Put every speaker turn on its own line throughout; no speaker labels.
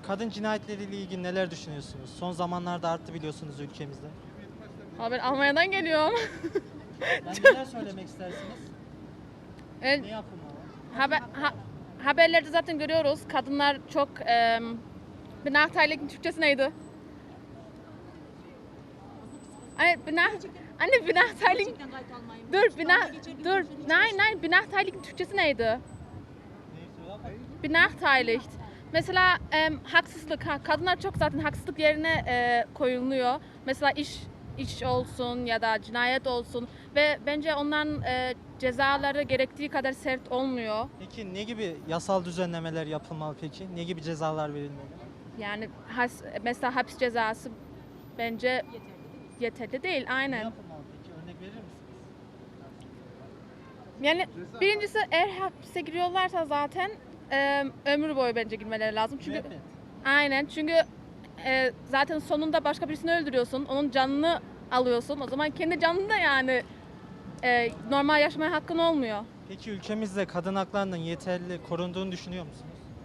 Kadın cinayetleriyle ilgili neler düşünüyorsunuz? Son zamanlarda arttı biliyorsunuz ülkemizde.
Ama ben Almanya'dan geliyorum.
Yani neler söylemek istersiniz?
Evet,
Ne yapılmalı?
haberlerde zaten görüyoruz. Kadınlar çok benahteiligin Türkçesi neydi? Anne benahteiligin. Dur. Nein, benahteiligin Türkçesi neydi? Benachteiligt. Mesela haksızlık. Kadınlar çok zaten haksızlık yerine koyuluyor. Mesela iş olsun ya da cinayet olsun ve bence onların cezaları gerektiği kadar sert olmuyor.
Peki ne gibi yasal düzenlemeler yapılmalı peki? Ne gibi cezalar verilmeli?
Yani mesela hapis cezası bence yeterli değil.
Ne
Aynen.
yapılmalı peki? Örnek verir misiniz?
Yani birincisi eğer hapse giriyorlarsa zaten ömür boyu bence girmeleri lazım. Çünkü
Müebbet.
aynen çünkü zaten sonunda başka birisini öldürüyorsun. Onun canını alıyorsun. O zaman kendi canını da yani normal yaşamaya hakkın olmuyor.
Peki ülkemizde kadın haklarının yeterli korunduğunu düşünüyor musunuz?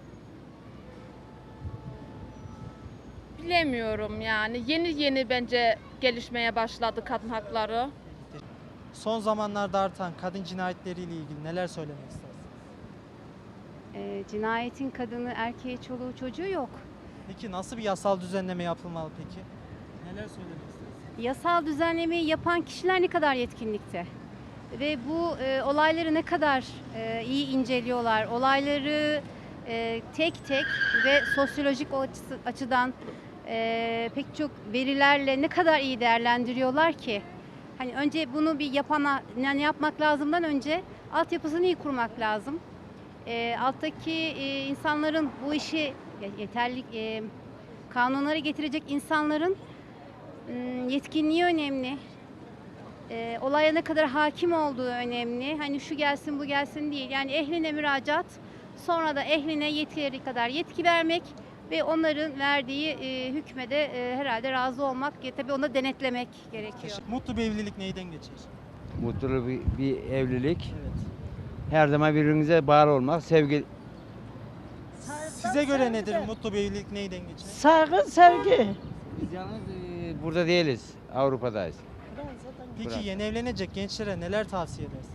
Bilemiyorum yani. Yeni bence gelişmeye başladı kadın hakları.
Son zamanlarda artan kadın cinayetleriyle ilgili neler söylemek istersiniz?
Cinayetin kadını, erkeği, çoluğu, çocuğu yok.
Peki nasıl bir yasal düzenleme yapılmalı peki? Neler söylemek istersiniz?
Yasal düzenlemeyi yapan kişiler ne kadar yetkinlikte? Ve bu olayları ne kadar iyi inceliyorlar? Olayları tek tek ve sosyolojik açıdan pek çok verilerle ne kadar iyi değerlendiriyorlar ki? Hani önce bunu bir yapana, yani yapmak lazımdan önce altyapısını iyi kurmak lazım. Alttaki insanların bu işi yeterli kanunları getirecek insanların yetkinliği önemli. Olaya ne kadar hakim olduğu önemli. Hani şu gelsin bu gelsin değil. Yani ehline müracaat, sonra da ehline yetkileri kadar yetki vermek ve onların verdiği hükme de herhalde razı olmak, tabii onu denetlemek gerekiyor.
Mutlu bir evlilik neyden geçer?
Mutlu bir evlilik.
Evet.
Her zaman birbirinize bağlı olmak, sevgi.
Size göre nedir mutlu bir evlilik neyden geçer?
Saygı, sevgi.
Biz yalnız burada değiliz, Avrupa'dayız.
Peki
Bırak.
yeni evlenecek gençlere neler tavsiye edersiniz?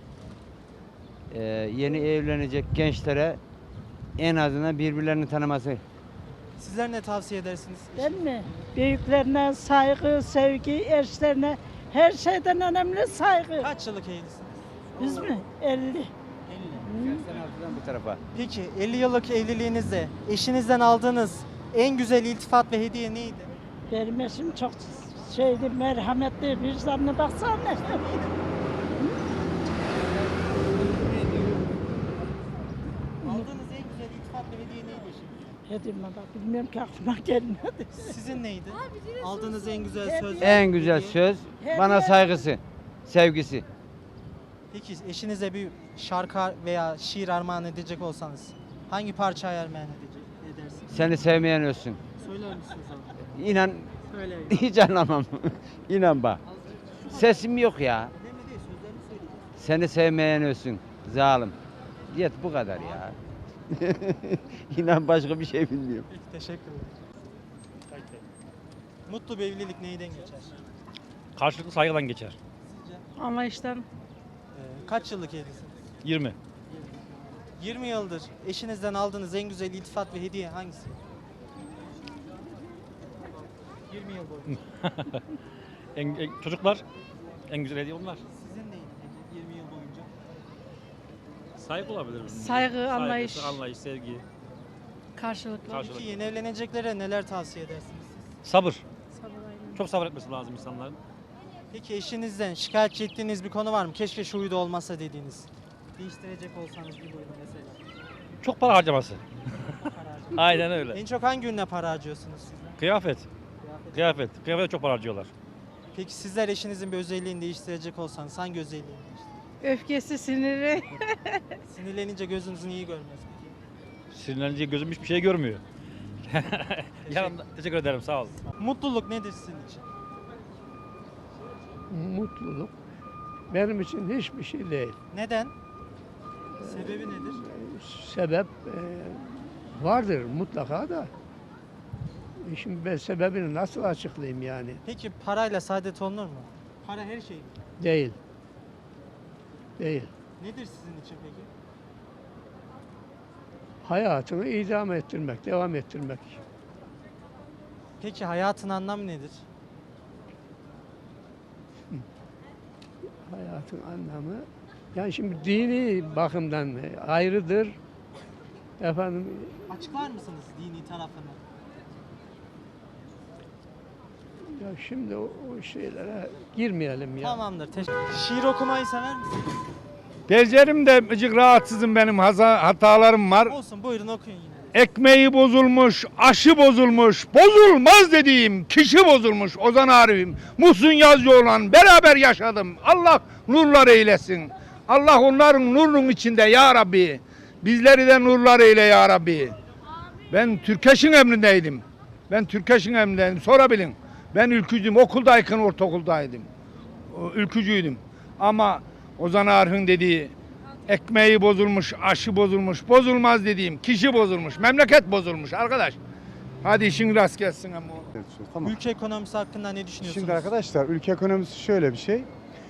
Yeni evlenecek gençlere en azından birbirlerini tanıması.
Sizler ne tavsiye edersiniz?
Değil mi? Büyüklerine saygı, sevgi, eşlerine her şeyden önemli saygı.
Kaç yıllık evlisiniz?
Biz mi? 50.
50.
Sen altından bu tarafa.
Peki 50 yıllık evliliğinizde eşinizden aldığınız en güzel iltifat ve hediye neydi?
Benim eşim çok merhametli, vicdanlı baksana.
Aldığınız en güzel iltifat ve hediye neydi eşinize?
Hedime bak, bilmiyorum ki aklıma gelmedi.
Sizin neydi? Aldığınız en güzel söz.
En güzel
hediye.
söz bana saygısı, sevgisi.
Peki eşinize bir şarkı veya şiir armağan edecek olsanız hangi parçayı armağan edersiniz?
Seni sevmeyen ölsün.
Söyler misiniz abi?
İnan
Söyleyin.
hiç anlamam. İnan bak. Sesim yok ya.
Önemli değil, sözlerini söyleyeceğim.
Seni sevmeyen ölsün. Zalim. Yet bu kadar ya. İnan başka bir şey bilmiyorum.
Peki teşekkür ederim. Mutlu bir evlilik neyden geçer?
Karşılıklı saygıdan geçer.
Sizce?
Anlayıştan.
Kaç yıllık evlisiniz?
20.
20 yıldır eşinizden aldığınız en güzel iltifat ve hediye hangisi? 20 yıl boyunca.
Çocuklar en güzel hediye onlar.
Sizin neydi peki 20 yıl boyunca?
Saygı olabilir.
Saygı, anlayış.
Anlayış, sevgi,
Karşılıklı.
karşılık.
Peki yeni evleneceklere neler tavsiye edersiniz siz?
Sabır. Çok sabır etmesi lazım insanların.
Peki eşinizden şikayetçi ettiğiniz bir konu var mı? Keşke şu huyda olmasa dediğiniz. Değiştirecek olsanız bir huyda mesela.
Çok para harcaması.
Para harcamak.
Aynen öyle.
En çok hangi ürüne para harcıyorsunuz sizler?
Kıyafet.
Kıyafet.
Kıyafet. Kıyafete çok para harcıyorlar.
Peki sizler eşinizin bir özelliğini değiştirecek olsanız hangi özelliğini değiştirir?
Öfkesi, siniri.
Sinirlenince gözünüzün iyi görmez peki.
Sinirlenince gözüm hiçbir şey görmüyor. Yanımda. Teşekkür ederim. Sağ ol.
Mutluluk nedir sizin için?
Mutluluk benim için hiçbir şey değil.
Neden? Sebebi nedir?
Sebep vardır mutlaka da Şimdi ben sebebini nasıl açıklayayım yani?
Peki parayla saadet olunur mu? Para her şey mi?
Değil. Değil.
Nedir sizin için peki?
Hayatını idame ettirmek, devam ettirmek.
Peki hayatın anlamı nedir?
Hayatın anlamı, yani şimdi dini bakımdan ayrıdır. Efendim,
Açıklar mısınız dini tarafını?
ya şimdi o şeylere girmeyelim ya.
Tamamdır. Şiir okumayı sever misiniz?
Becerim de azıcık rahatsızım, benim hatalarım var.
Olsun, buyurun okuyun yine de.
Ekmeği bozulmuş, aşı bozulmuş, bozulmaz dediğim kişi bozulmuş. Ozan Arif'im, Muhsin Yazıcıoğlan beraber yaşadım. Allah nurlar eylesin. Allah onların nurunun içinde ya Rabbi. Bizleri de nurlar eyle ya Rabbi. Ben Türkeş'in emrindeydim. Sorabilin. Ben ülkücüydüm. Okuldayken ortaokuldaydım. Ülkücüydüm. Ama Ozan Arif'in dediği ekmeği bozulmuş, aşı bozulmuş, bozulmaz dediğim kişi bozulmuş, memleket bozulmuş arkadaş. Hadi işin rast gelsin ama.
Tamam.
Ülke ekonomisi hakkında ne düşünüyorsunuz?
Şimdi arkadaşlar ülke ekonomisi şöyle bir şey.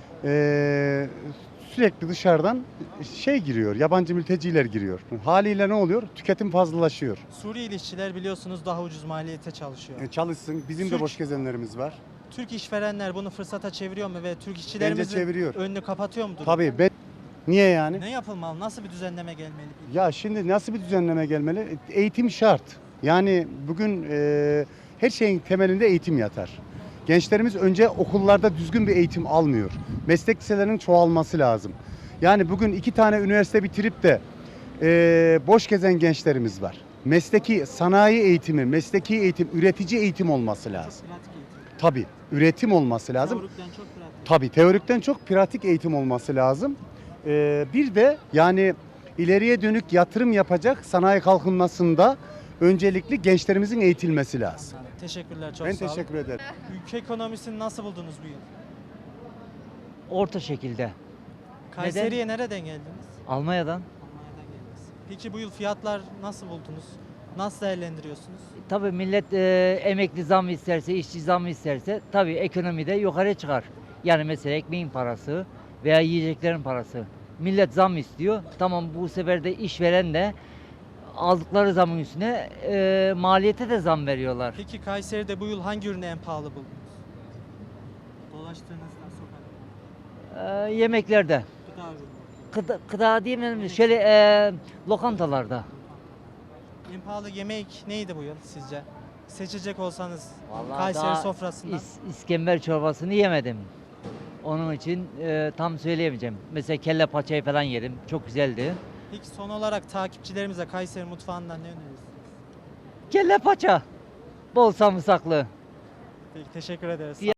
Sürekli dışarıdan giriyor, yabancı mülteciler giriyor. Haliyle ne oluyor? Tüketim fazlalaşıyor.
Suriyeli işçiler biliyorsunuz daha ucuz maliyete çalışıyor.
Çalışsın, bizim de boş gezenlerimiz var.
Türk işverenler bunu fırsata çeviriyor mu ve Türk
Bence
işçilerimizin
çeviriyor.
önünü kapatıyor mudur?
Tabii niye yani?
Ne yapılmalı? Nasıl bir düzenleme gelmeli?
Ya şimdi nasıl bir düzenleme gelmeli? Eğitim şart. Yani bugün her şeyin temelinde eğitim yatar. Gençlerimiz önce okullarda düzgün bir eğitim almıyor. Meslek liselerinin çoğalması lazım. Yani bugün 2 tane üniversite bitirip de boş gezen gençlerimiz var. Mesleki sanayi eğitimi, mesleki eğitim, üretici eğitim olması lazım.
Pratik eğitim.
Tabii üretim olması lazım.
Teorikten çok pratik.
Tabii teorikten çok pratik eğitim olması lazım. Bir de yani ileriye dönük yatırım yapacak sanayi kalkınmasında öncelikli gençlerimizin eğitilmesi lazım.
Teşekkürler, çok
Ben
sağ olun.
teşekkür ederim.
Ülke ekonomisini nasıl buldunuz bu yıl?
Orta şekilde.
Kayseri'ye nereden geldiniz?
Almanya'dan.
Almanya'dan geldiniz. Peki bu yıl fiyatlar nasıl buldunuz? Nasıl değerlendiriyorsunuz?
Tabii millet emekli zam isterse, işçi zam isterse tabii ekonomide yukarı çıkar. Yani mesela ekmeğin parası veya yiyeceklerin parası. Millet zam istiyor. Tamam, bu sefer de işveren de aldıkları zamın üstüne maliyete de zam veriyorlar.
Peki Kayseri'de bu yıl hangi ürünü en pahalı buldunuz? Dolaştığınızda sokakta.
Yemeklerde.
Gıda ürünü.
Gıda diyemeyelim, şöyle lokantalarda.
En pahalı yemek neydi bu yıl sizce? Seçecek olsanız
Vallahi
Kayseri
daha
sofrasından.
İskember çorbasını yemedim. Onun için tam söyleyemeyeceğim. Mesela kelle paçayı falan yedim. Çok güzeldi.
Peki son olarak takipçilerimize Kayseri mutfağından ne önerirsiniz?
Kelle paça. Bol sarımsaklı.
Peki teşekkür ederiz.